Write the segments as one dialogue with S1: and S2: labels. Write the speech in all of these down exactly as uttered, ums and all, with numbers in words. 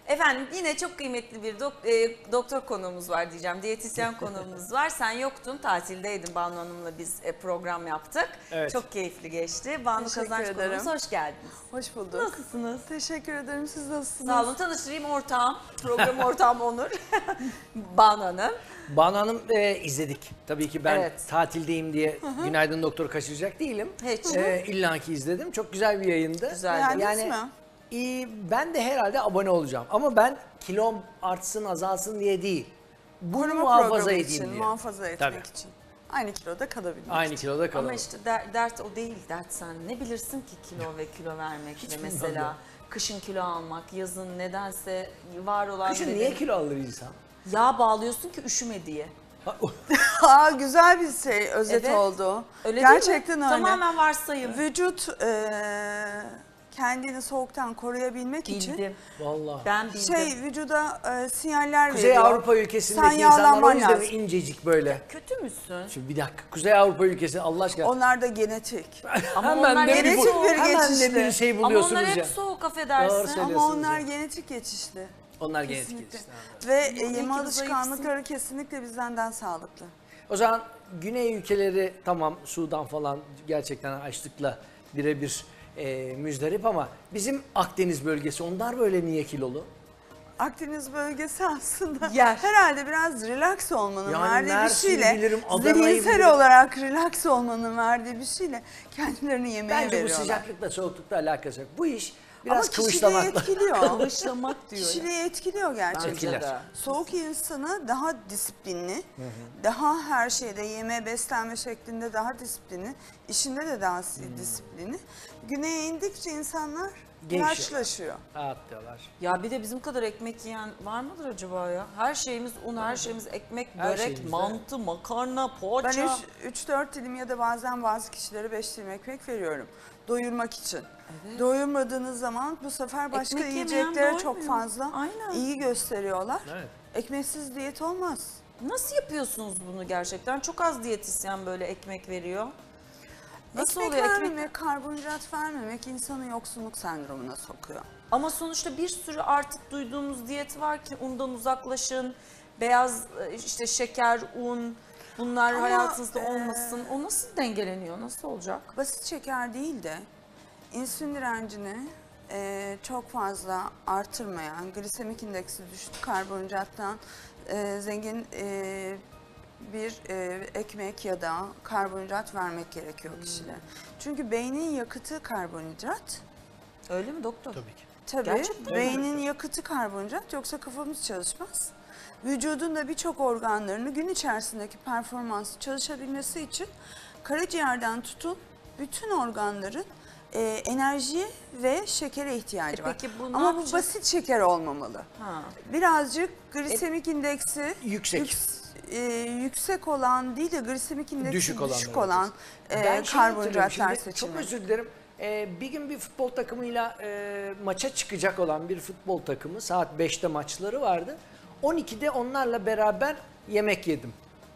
S1: Efendim yine çok kıymetli bir dok e, doktor konuğumuz var diyeceğim. Diyetisyen konuğumuz var. Sen yoktun, tatildeydin. Banu Hanım'la biz e, program yaptık.
S2: Evet.
S1: Çok keyifli geçti. Banu
S3: Teşekkür
S1: Kazanç
S3: ederim.
S1: konuğumuz, hoş geldiniz.
S3: Hoş bulduk.
S1: Nasılsınız?
S3: Teşekkür ederim. Siz nasılsınız?
S1: Sağ olun. Tanıştırayım, ortağım. Program ortağım Onur. Banu Hanım.
S2: Banu Hanım e, izledik. Tabii ki ben
S1: Evet.
S2: tatildeyim diye Günaydın Doktor kaçıracak değilim.
S1: Hiç.
S2: E, İlla ki izledim. Çok güzel bir yayındı.
S1: Güzeldi.
S3: Beğendiniz
S2: Yani
S3: mi?
S2: e, ben de herhalde abone olacağım. Ama ben kilom artsın azalsın diye değil. Bunu
S3: Koruma
S2: muhafaza
S3: programı
S2: edeyim
S3: için,
S2: diye.
S3: muhafaza etmek
S2: Tabii.
S3: için. Aynı kiloda kalabilmek
S2: Aynı
S3: için.
S2: kiloda kalalım.
S1: Ama işte der- dert o değil, dert sen. Ne bilirsin ki kilo ve kilo vermek
S2: Hiç
S1: ve
S2: bilmem
S1: mesela
S2: ya.
S1: kışın kilo almak, yazın nedense var olan
S2: Kışın
S1: nedeni-
S2: niye kilo alır insan?
S1: Yağ bağlıyorsun ki üşüme diye.
S3: Aa, güzel bir şey, özet
S1: Evet.
S3: oldu.
S1: Öyle değil mi?
S3: Gerçekten öyle.
S1: Tamamen varsayım.
S3: Vücut eee, kendini soğuktan koruyabilmek için
S1: Bildim.
S2: Vallahi.
S1: Ben bildim.
S3: şey vücuda eee, sinyaller
S2: Kuzey
S3: veriyor.
S2: Avrupa ülkesindeki
S3: Sen
S2: insanlar o
S3: yağlanman
S2: yüzden
S3: lazım.
S2: incecik böyle.
S1: Kötü müsün?
S2: Şimdi bir dakika. Kuzey Avrupa ülkesi Allah aşkına.
S3: Onlar da genetik.
S1: Ama
S2: hemen
S1: onlar
S2: de
S1: hep
S2: bir,
S3: genetik
S2: bu-
S3: bir
S2: hemen de
S3: geçişli.
S2: bir şey
S1: Ama
S2: buluyorsunuz
S1: onlar hep
S2: ya.
S1: soğuk,
S2: Doğru
S1: affedersin.
S2: söylüyorsun.
S3: Ama
S2: Biliyorsunuz
S3: onlar
S2: ya.
S3: genetik geçişli.
S2: Onlar genetik
S3: Kesinlikle.
S2: geçişler.
S3: Ve e,
S1: İyi ki
S3: yeme
S1: de
S3: alışkanlıkları kesinlikle bizden sağlıklı.
S2: O zaman Güney ülkeleri tamam Sudan falan gerçekten açlıkla birebir e, müzdarip ama bizim Akdeniz bölgesi onlar böyle niye kilolu?
S3: Akdeniz bölgesi aslında
S1: Yer.
S3: herhalde biraz relax olmanın
S2: Yani
S3: verdiği bir
S2: Mersin'i
S3: şeyle,
S2: bilirim, Adana'yı
S3: zihinsel
S2: bilirim.
S3: olarak relax olmanın verdiği bir şeyle kendilerini yemeğe
S2: Bence bu
S3: veriyorlar.
S2: sıcaklıkla soğuklukla alakası yok. Bu iş
S3: Ama
S2: biraz
S3: kişiliği
S2: kıvışlamakla.
S3: etkiliyor.
S1: Kıvışlamak diyor ya.
S3: Kişiliği etkiliyor gerçekten.
S2: Etkiler.
S1: de.
S3: Soğuk insanı daha disiplinli, daha her şeyde yeme, beslenme şeklinde daha disiplinli, işinde de daha disiplinli. Güneye indikçe insanlar
S2: Gevşiyor.
S3: yaşlaşıyor.
S2: Rahat diyorlar.
S1: Ya bir de bizim kadar ekmek yiyen var mıdır acaba ya? Her şeyimiz un, her şeyimiz ekmek,
S2: Her
S1: börek,
S2: şeyimiz de.
S1: mantı, makarna,
S3: Ben
S1: poğaça.
S3: üç dört dilim ya da bazen bazı kişilere beş dilim ekmek veriyorum. Doyurmak için. Doyurmadığınız zaman bu sefer başka
S1: Ekmek yemeyen
S3: yiyeceklere çok
S1: doymuyor.
S3: fazla
S1: Aynen.
S3: iyi gösteriyorlar.
S2: Evet.
S3: Ekmeksiz diyet olmaz.
S1: Nasıl yapıyorsunuz bunu gerçekten? Çok az diyetisyen böyle ekmek veriyor. Nasıl
S3: ekmek
S1: oluyor?
S3: vermemek,
S1: Ekmek...
S3: karbonhidrat vermemek insanı yoksunluk sendromuna sokuyor.
S1: Ama sonuçta bir sürü artık duyduğumuz diyet var ki undan uzaklaşın, beyaz işte şeker, un bunlar
S3: Ama,
S1: hayatınızda
S3: e,
S1: olmasın. O nasıl dengeleniyor? Nasıl olacak?
S3: Basit şeker değil de insülin direncini e, çok fazla artırmayan, glisemik indeksi düşük karbonhidrattan e, zengin e, bir e, ekmek ya da karbonhidrat vermek gerekiyor kişilere. Çünkü beynin yakıtı karbonhidrat.
S1: Öyle mi doktor?
S2: Tabii ki.
S3: Tabii
S1: Gerçekten
S3: beynin yakıtı karbonhidrat, yoksa kafamız çalışmaz. Vücudun da birçok organlarını gün içerisindeki performansı çalışabilmesi için karaciğerden tutun bütün organların e, enerjiye ve şekere ihtiyacı
S1: E
S3: var.
S1: peki bu ne
S3: Ama bu
S1: yapacağız?
S3: basit şeker olmamalı.
S1: Ha.
S3: Birazcık glisemik indeksi
S2: Yüksek.
S3: yüks- e, yüksek olan değil de glisemik indeksi
S2: Düşük
S3: düşük,
S2: olanları
S3: olan e,
S2: Ben şey hatırlıyorum
S3: karbonhidratlar
S2: şimdi,
S3: seçimi.
S2: çok özür dilerim. Ee, bir gün bir futbol takımıyla e, maça çıkacak olan bir futbol takımı saat beşte maçları vardı. on ikide onlarla beraber yemek yedim.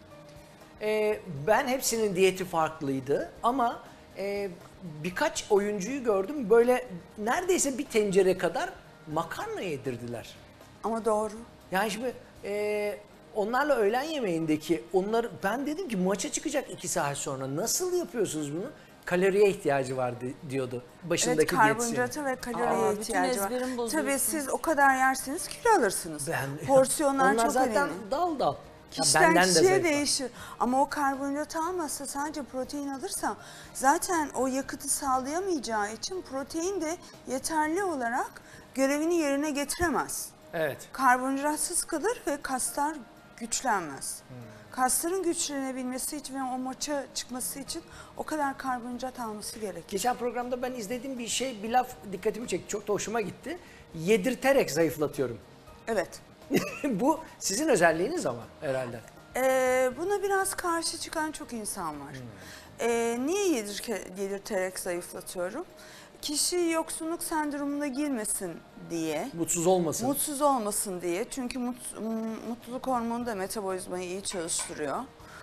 S2: Ee, ben hepsinin diyeti farklıydı ama e, birkaç oyuncuyu gördüm böyle neredeyse bir tencere kadar makarna yedirdiler.
S3: Ama doğru.
S2: Yani şimdi e, onlarla öğlen yemeğindeki onlar ben dedim ki maça çıkacak iki saat sonra nasıl yapıyorsunuz bunu? Kaloriye ihtiyacı vardı diyordu başındaki
S3: Evet,
S2: diyetisyen.
S3: karbonhidrata ve kaloriye
S1: Aa, bütün
S3: ihtiyacı var.
S1: ezberimi
S3: Tabii
S1: bozuyorsunuz.
S3: siz o kadar yerseniz kilo alırsınız.
S2: Ben,
S3: Porsiyonlar
S2: onlar
S3: çok
S2: zaten
S3: önemli.
S2: dal dal. Ya
S3: Kişiden
S2: benden de
S3: kişiye
S2: zayıf var.
S3: değişir. Ama o karbonhidrat almazsa, sadece protein alırsa zaten o yakıtı sağlayamayacağı için protein de yeterli olarak görevini yerine getiremez.
S2: Evet.
S3: Karbonhidratsız kalır ve kaslar güçlenmez.
S2: Hmm.
S3: Kasların güçlenebilmesi için ve o maça çıkması için o kadar karbonhidrat alması gerekir.
S2: Geçen programda ben izlediğim bir şey, bir laf dikkatimi çekti. Çok da hoşuma gitti. Yedirterek zayıflatıyorum.
S3: Evet.
S2: Bu sizin özelliğiniz ama herhalde.
S3: Ee, buna biraz karşı çıkan çok insan var. Ee, niye yedirke, yedirterek zayıflatıyorum? Kişi yoksunluk sendromuna girmesin diye,
S2: Mutsuz olmasın.
S3: mutsuz olmasın diye. Çünkü mut, mutluluk hormonu da metabolizmayı iyi çalıştırıyor.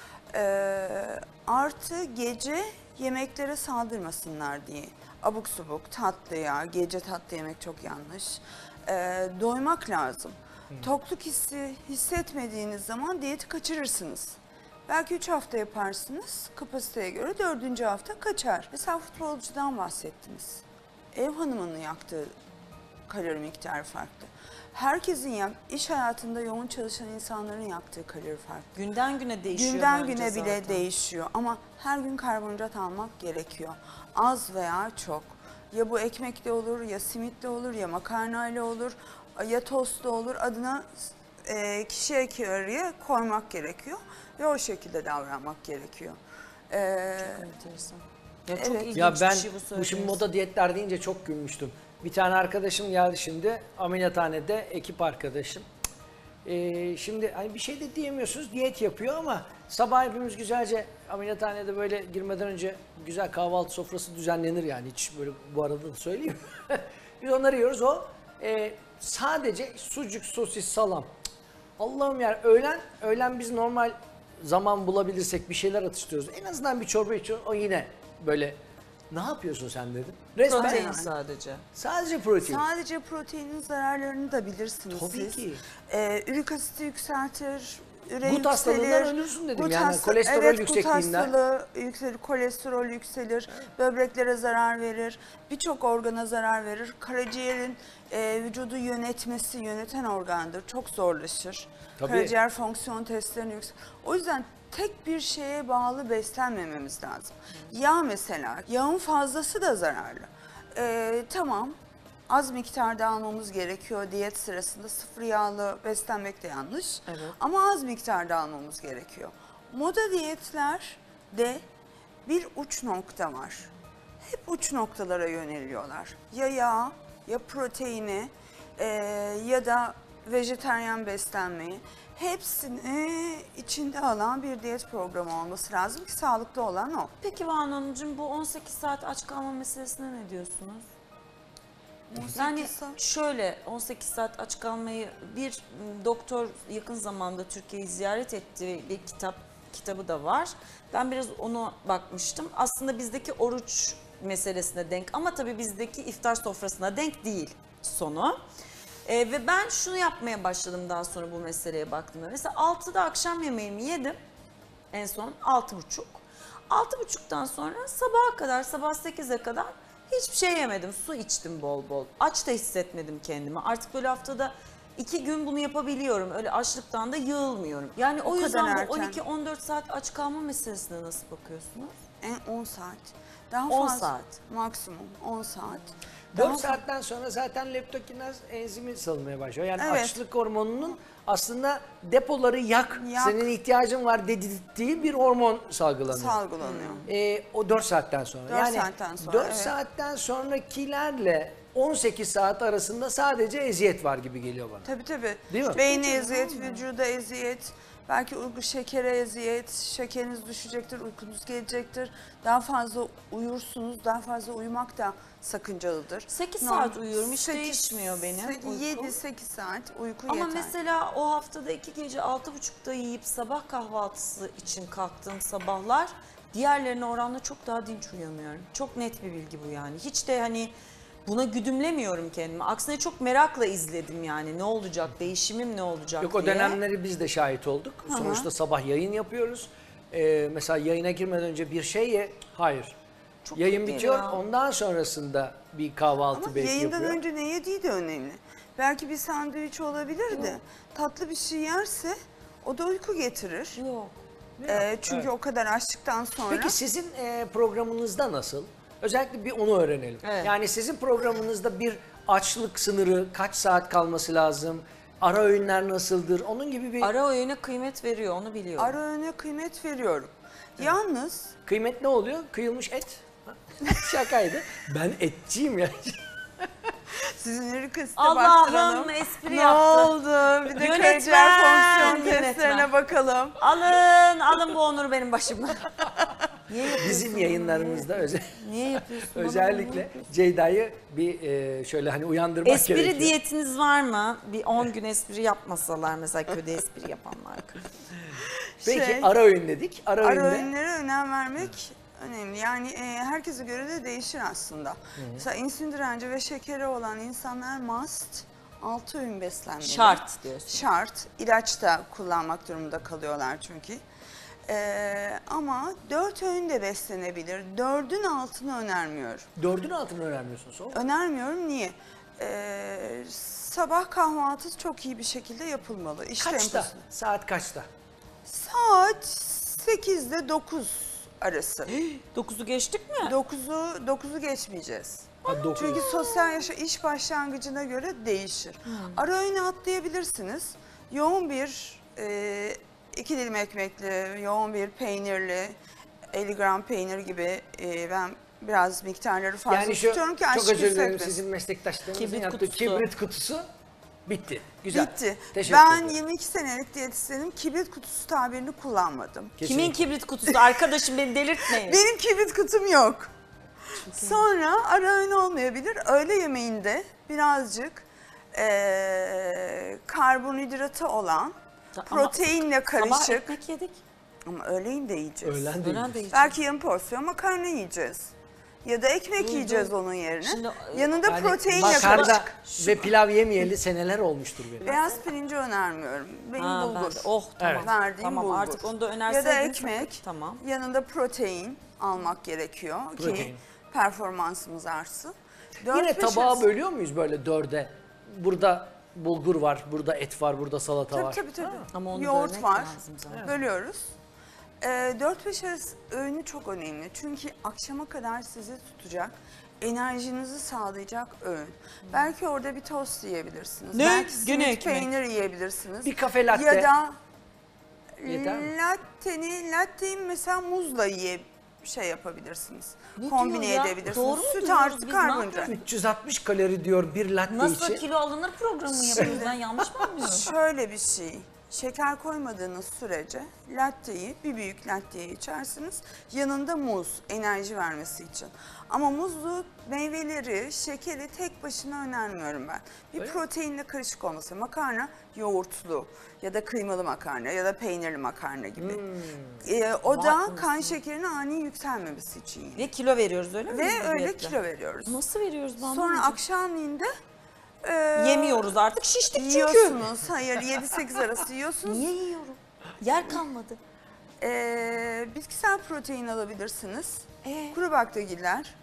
S3: Ee, artı gece yemeklere saldırmasınlar diye. Abuk subuk, tatlı ya, gece tatlı yemek çok yanlış. e, doymak lazım. Tokluk hissi hissetmediğiniz zaman diyeti kaçırırsınız. Belki üç hafta yaparsınız, kapasiteye göre dördüncü hafta kaçar. Mesela futbolcudan bahsettiniz. Ev hanımının yaktığı kalori miktarı farklı. Herkesin yak, iş hayatında yoğun çalışan insanların yaktığı kalori farklı.
S1: Günden güne değişiyor
S3: Günden
S1: bence
S3: güne bile
S1: zaten.
S3: değişiyor ama her gün karbonhidrat almak gerekiyor. Az veya çok. Ya bu ekmekle olur, ya simitle olur, ya makarnayla olur, ya tostla olur. Adına e, kişiye yarıya koymak gerekiyor ve o şekilde davranmak gerekiyor. E,
S1: Enteresan. Ya çok
S3: Evet.
S1: ilginç
S2: Ya ben
S1: bir şey bu
S2: bu
S1: söylediğiniz.
S2: şimdi moda diyetler deyince çok gülmüştüm. Bir tane arkadaşım geldi şimdi ameliyathanede, ekip arkadaşım. Ee, şimdi hani bir şey de diyemiyorsunuz, diyet yapıyor ama sabah hepimiz güzelce ameliyathanede böyle girmeden önce güzel kahvaltı sofrası düzenlenir yani, hiç böyle bu arada da söyleyeyim. Biz onları yiyoruz, o e, sadece sucuk, sosis, salam. Cık, Allah'ım ya, öğlen öğlen biz normal zaman bulabilirsek bir şeyler atıştırıyoruz. En azından bir çorba içiyoruz, o yine böyle ne yapıyorsun sen dedim. Resmen
S1: Protein
S3: yani.
S1: sadece.
S2: sadece protein.
S3: Sadece proteinin zararlarını da bilirsiniz
S2: Tabii
S3: siz.
S2: ki.
S3: Ee, ürik asiti yükseltir, üre
S2: Gut
S3: yükselir.
S2: hastalığından ölürsün dedim
S3: Gut
S2: yani,
S3: hasta-
S2: kolesterol
S3: evet,
S2: yüksekliğinden.
S3: Gut hastalığı yükselir, kolesterol yükselir, böbreklere zarar verir, birçok organa zarar verir. Karaciğerin e, vücudu yönetmesi, yöneten organdır, çok zorlaşır.
S2: Tabii.
S3: Karaciğer fonksiyon testlerini yükselir. O yüzden tek bir şeye bağlı beslenmememiz lazım. Yağ mesela, yağın fazlası da zararlı. Ee, tamam, az miktarda almamız gerekiyor diyet sırasında. Sıfır yağlı beslenmek de yanlış.
S1: Evet.
S3: Ama az miktarda almamız gerekiyor. Moda diyetlerde bir uç nokta var. Hep uç noktalara yöneliyorlar. Ya yağ, ya proteini, e, ya da vejetaryen beslenmeyi. Hepsini içinde alan bir diyet programı olması lazım ki sağlıklı olan o.
S1: Peki Banu Hanımcığım, bu on sekiz saat aç kalma meselesine ne diyorsunuz? Yani şöyle, on sekiz saat aç kalmayı bir m, doktor yakın zamanda Türkiye'yi ziyaret etti, bir kitap kitabı da var. Ben biraz ona bakmıştım. Aslında bizdeki oruç meselesine denk ama tabii bizdeki iftar sofrasına denk değil sonu. Ee, ve ben şunu yapmaya başladım daha sonra bu meseleye baktığımda. Mesela altıda akşam yemeğimi yedim. En son altı buçuk. Altı buçuktan sonra sabaha kadar, sabah sekize kadar hiçbir şey yemedim. Su içtim bol bol. Aç da hissetmedim kendimi. Artık böyle haftada iki gün bunu yapabiliyorum. Öyle açlıktan da yığılmıyorum. Yani o,
S3: O kadar
S1: yüzden bu
S3: erken.
S1: on iki on dört saat aç kalma meselesine nasıl bakıyorsunuz?
S3: En on saat. Daha
S1: on
S3: fazla.
S1: saat.
S3: Maksimum on saat. Daha
S2: dört saatten sonra zaten leptokinaz enzimi salınmaya başlıyor. Yani
S3: Evet.
S2: açlık hormonunun aslında depoları yak,
S3: Yak.
S2: senin ihtiyacın var dedirttiği bir hormon salgılanıyor.
S3: salgılanıyor.
S2: Ee, o dört saatten sonra.
S3: Dört
S2: yani
S3: saatten sonra,
S2: dört
S3: evet.
S2: saatten sonrakilerle on sekiz saat arasında sadece eziyet var gibi geliyor bana.
S3: Tabii tabii.
S2: Değil mi?
S3: Beyne eziyet, vücuda eziyet, belki uyku şekere eziyet, şekeriniz düşecektir, uykunuz gelecektir. Daha fazla uyursunuz, daha fazla uyumak da sakıncalıdır.
S1: sekiz
S3: Norm-
S1: saat uyuyorum, hiç
S3: sekiz-
S1: değişmiyor benim uykum.
S3: yedi sekiz saat uyku
S1: Ama
S3: yeter.
S1: mesela o haftada iki gece altı buçukta yiyip sabah kahvaltısı için kalktığım sabahlar diğerlerine oranla çok daha dinç uyanıyorum. Çok net bir bilgi bu yani. Hiç de hani buna güdümlemiyorum kendimi. Aksine çok merakla izledim yani ne olacak, değişimim ne olacak
S2: Yok,
S1: diye.
S2: o dönemleri biz de şahit olduk.
S3: Hı hı.
S2: Sonuçta sabah yayın yapıyoruz. Ee, mesela yayına girmeden önce bir şey ye. Hayır.
S1: Çok
S2: Yayın
S1: iyi
S2: bitiyor.
S1: ya.
S2: Ondan sonrasında bir kahvaltı
S3: Ama
S2: belki
S3: yayından
S2: yapıyor.
S3: önce ne yediği de önemli. Belki bir sandviç olabilir de tatlı bir şey yerse o da uyku getirir.
S1: Yok.
S3: Ee, çünkü
S2: Evet.
S3: o kadar açtıktan sonra.
S2: Peki sizin e, programınızda nasıl? Özellikle bir onu öğrenelim.
S1: Evet.
S2: Yani sizin programınızda bir açlık sınırı, kaç saat kalması lazım? Ara öğünler nasıldır? Onun gibi bir
S1: Ara öğüne kıymet veriyor, onu biliyorum.
S3: Ara öğüne kıymet veriyorum. Yalnız
S2: kıymet ne oluyor? Kıyılmış et. Şakaydı. Ben etçiyim ya.
S3: sizin erik asite
S1: Allah'ım,
S3: baktıralım.
S1: espri
S3: Ne
S1: yaptı.
S3: oldu? Bir de
S1: Yönetmen,
S3: karaciğer fonksiyon
S1: yönetmen.
S3: testlerine bakalım.
S1: Alın, alın bu onuru benim başımdan. Niye yapıyorsun?
S2: Bizim
S1: bunu?
S2: yayınlarımızda özel,
S1: Niye yapıyorsun? bana bunu?
S2: özellikle Ceyda'yı bir e, şöyle hani uyandırmak
S1: Espri
S2: gerekiyor.
S1: diyetiniz var mı? Bir on gün espri yapmasalar mesela, köyde espri yapanlar.
S2: Peki
S3: Şey,
S2: ara öğün dedik. Ara,
S3: Ara
S2: öğünde
S3: öğünlere önem vermek önemli. Yani e, herkese göre de değişir aslında. Mesela insülin direnci ve şekeri olan insanlar must altı öğün beslenmeli.
S1: Şart diyorsun.
S3: Şart. İlaç da kullanmak durumunda kalıyorlar çünkü. Ee, ama dört öğün de beslenebilir. Dördün altını önermiyorum.
S2: Dördün altını önermiyorsun sonra.
S3: Önermiyorum. Niye? Ee, sabah kahvaltısı çok iyi bir şekilde yapılmalı. İş
S2: Kaçta?
S3: temposunda.
S2: Saat kaçta?
S3: Saat sekizde dokuz arası.
S1: dokuzu geçtik mi?
S3: dokuzu dokuzu geçmeyeceğiz.
S2: Ha, dokuz.
S3: Çünkü sosyal yaşa iş başlangıcına göre değişir. Ara öğünü atlayabilirsiniz. Yoğun bir e, iki dilim ekmekli, yoğun bir peynirli, elli gram peynir gibi e, ben biraz miktarları fazla
S2: Yani şu,
S3: tutuyorum ki
S2: çok
S3: açlık
S2: özür dilerim,
S3: hissetmesin.
S2: sizin meslektaşlarınızın
S1: Kibrit
S2: yaptığı
S1: kutusu.
S2: kibrit kutusu bitti. Güzel.
S3: Bitti.
S2: Teşekkür
S3: Ben
S2: ederim.
S3: yirmi iki senelik diyetisyenim, kibrit kutusu tabirini kullanmadım.
S1: Kimin
S2: Kesinlikle.
S1: kibrit kutusu? Arkadaşım beni delirtmeyin.
S3: Benim kibrit kutum yok. Sonra ara öğün olmayabilir. Öğle yemeğinde birazcık eee karbonhidratı olan,
S1: Ama
S3: proteinle
S1: Sabah
S3: karışık.
S1: ekmek yedik.
S3: Ama öğleyin de yiyeceğiz.
S2: Öğlen
S1: Öğlen
S2: değil.
S1: de yiyeceğiz.
S3: Belki yarım porsiyon makarna yiyeceğiz. Ya da ekmek
S1: Dur,
S3: yiyeceğiz
S1: dur.
S3: onun yerine.
S1: Şimdi,
S3: Yanında
S2: Yani
S3: proteinle
S2: makarna
S3: karışık.
S2: ve pilav yemeyeli seneler olmuştur benim.
S3: Beyaz pirinci önermiyorum. Benim
S1: Ha, ben
S3: bulgur.
S1: de- Oh tamam.
S2: Evet.
S3: Verdiğim
S1: Tamam
S3: bulgur.
S1: artık onu da
S3: Ya da
S1: önerseydiniz.
S3: ekmek.
S1: Tamam.
S3: Yanında protein almak gerekiyor
S2: Protein.
S3: ki performansımız artsın. Dört
S2: Yine
S3: beş
S2: tabağa
S3: arası-
S2: bölüyor muyuz böyle dörde? Burada bulgur var, burada et var, burada salata
S3: Tabii
S2: var.
S3: tabii tabii.
S1: Ama onu
S3: Yoğurt
S1: bölmek
S3: var.
S1: lazım zaten.
S3: Bölüyoruz. Ee, dört beş arası öğünü çok önemli. Çünkü akşama kadar sizi tutacak, enerjinizi sağlayacak öğün. Belki orada bir tost yiyebilirsiniz.
S1: Ne?
S3: Belki
S1: Gene
S3: simit
S1: ekmek.
S3: peynir yiyebilirsiniz.
S2: Bir kafe latte.
S3: Ya da
S2: Yeter mi?
S3: latteni, latteyi mesela muzla yiye şey yapabilirsiniz.
S1: Ne
S3: Kombine
S1: diyor ya?
S3: edebilirsiniz.
S1: Doğru mu
S3: Süt
S1: duyuyoruz
S3: artı
S1: biz? Ne
S3: karbonhidrat.
S2: üç yüz altmış kalori diyor bir latte
S1: Nasıl
S2: için.
S1: kilo alınır programı mı yapıyoruz? Ben yanlış mı anlıyorum?
S3: Şöyle bir şey. Şeker koymadığınız sürece latteyi, bir büyük latteyi içersiniz. Yanında muz, enerji vermesi için. Ama muzlu meyveleri, şekeri tek başına önermiyorum ben. Bir
S2: Öyle mi?
S3: proteinle karışık olması. Makarna yoğurtlu ya da kıymalı makarna ya da peynirli makarna gibi.
S2: Hmm.
S3: Ee, o
S1: Vay
S3: da
S1: anasını.
S3: kan şekerinin ani yükselmemesi için. yine.
S1: Ve kilo veriyoruz öyle mi?
S3: Ve
S1: biz
S3: öyle
S1: diyetle?
S3: kilo veriyoruz.
S1: Nasıl veriyoruz ben
S3: Sonra
S1: anlamadım.
S3: akşamleyin de e,
S1: Yemiyoruz artık şiştik çünkü.
S3: yiyorsunuz. Hayır yedi sekiz arası yiyorsunuz.
S1: Niye yiyorum? Yer kalmadı.
S3: Ee, bitkisel protein alabilirsiniz.
S1: Ee?
S3: Kuru baklagiller,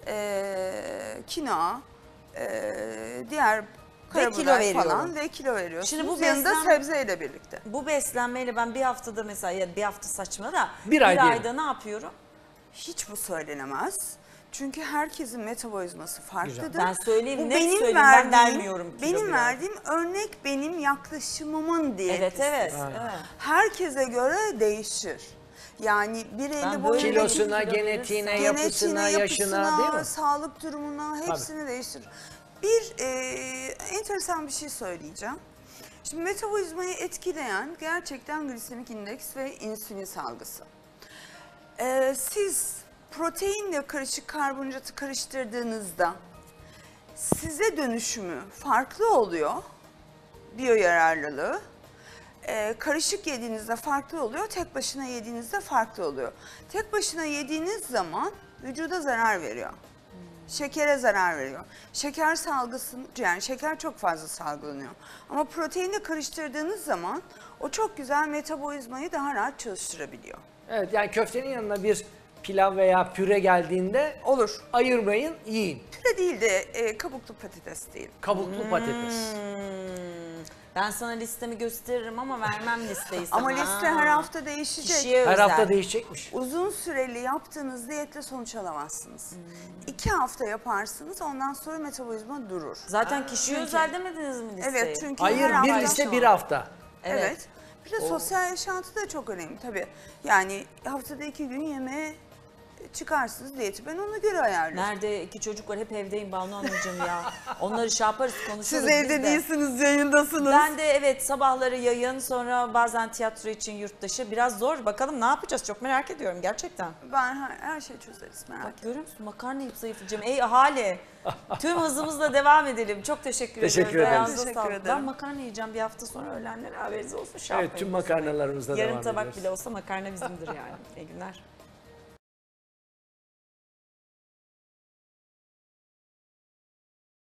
S3: ee, kinoa, ee, diğer
S1: Ve kilo
S3: karabiber
S1: veriyorum.
S3: falan ve kilo veriyorsunuz.
S1: Şimdi bu
S3: yanında
S1: beslen-
S3: sebzeyle birlikte.
S1: Bu beslenmeyle ben bir haftada mesela ya bir hafta saçma da
S2: Bir ay diyelim.
S1: ayda ne yapıyorum?
S3: Hiç bu söylenemez. Çünkü herkesin metabolizması farklıdır.
S1: Ben söyleyeyim,
S3: Bu
S1: net
S3: benim
S1: söyleyeyim, ben
S3: verdiğim,
S1: vermiyorum kilo
S3: benim
S1: bile.
S3: verdiğim örnek benim yaklaşımımın diye.
S1: Evet evet.
S2: Aynen.
S1: evet.
S3: Herkese göre değişir. Yani bir elli
S1: Ben
S3: boyunda
S1: böyle
S2: Kilosuna,
S1: kilo
S2: genetiğine,
S1: verirsen-
S2: yapısına, yaşına değil mi?
S3: sağlık durumuna hepsini değiştirir. Bir e, enteresan bir şey söyleyeceğim. Şimdi metabolizmayı etkileyen gerçekten glisemik indeks ve insülin salgısı. E, siz proteinle karışık karbonhidratı karıştırdığınızda size dönüşümü farklı oluyor. Biyo yararlılığı. Ee, karışık yediğinizde farklı oluyor, tek başına yediğinizde farklı oluyor. Tek başına yediğiniz zaman vücuda zarar veriyor. Şekere zarar veriyor. Şeker salgısı, yani şeker çok fazla salgılanıyor. Ama proteinle karıştırdığınız zaman o çok güzel metabolizmayı daha rahat çalıştırabiliyor.
S2: Evet, yani köftenin yanına bir pilav veya püre geldiğinde
S3: Olur.
S2: ayırmayın, yiyin.
S3: Püre değil de e, kabuklu patates değil.
S2: Kabuklu patates.
S1: Hmm. Ben sana listemi gösteririm ama vermem listeyi sana.
S3: Ama liste her hafta değişecek.
S1: Kişiye
S2: Her
S1: özel.
S2: hafta değişecekmiş.
S3: Uzun süreli yaptığınız diyetle sonuç alamazsınız. İki hafta yaparsınız, ondan sonra metabolizma durur.
S1: Zaten kişiye özel demediniz mi listeyi?
S3: Evet, çünkü
S2: Hayır,
S3: her
S2: bir
S3: hafta-
S2: liste bir hafta.
S3: Evet.
S1: Evet.
S3: Bir de sosyal yaşantı da çok önemli tabii. Yani haftada iki gün yemeğe çıkarsınız diyeti. Ben ona göre ayarlıyorum.
S1: Nerede iki çocuk var hep evdeyim Banu Hanımcığım ya. Onları şey yaparız konuşuruz
S3: Siz
S1: biz
S3: evde
S1: de.
S3: değilsiniz, yayındasınız.
S1: Ben de evet sabahları yayın sonra bazen tiyatro için yurt dışı. Biraz zor bakalım ne yapacağız çok merak ediyorum gerçekten.
S3: Ben her, her şeyi çözeriz, merak
S1: Bak
S3: etme.
S1: görüyor musun makarna yiyip zayıflayacağım. Ey ahali tüm hızımızla devam edelim. Çok teşekkür,
S2: Teşekkür
S1: ediyorum.
S2: ederiz.
S1: Ayağınıza
S3: Teşekkür
S1: sağlık.
S3: ederim.
S1: Ben makarna yiyeceğim bir hafta sonra öğlenlere haberiniz olsun. Şey
S2: Evet,
S1: yapmayın.
S2: tüm makarnalarımızda
S1: Yarım
S2: devam
S1: tabak
S2: ediyoruz.
S1: bile olsa makarna bizimdir yani. İyi günler.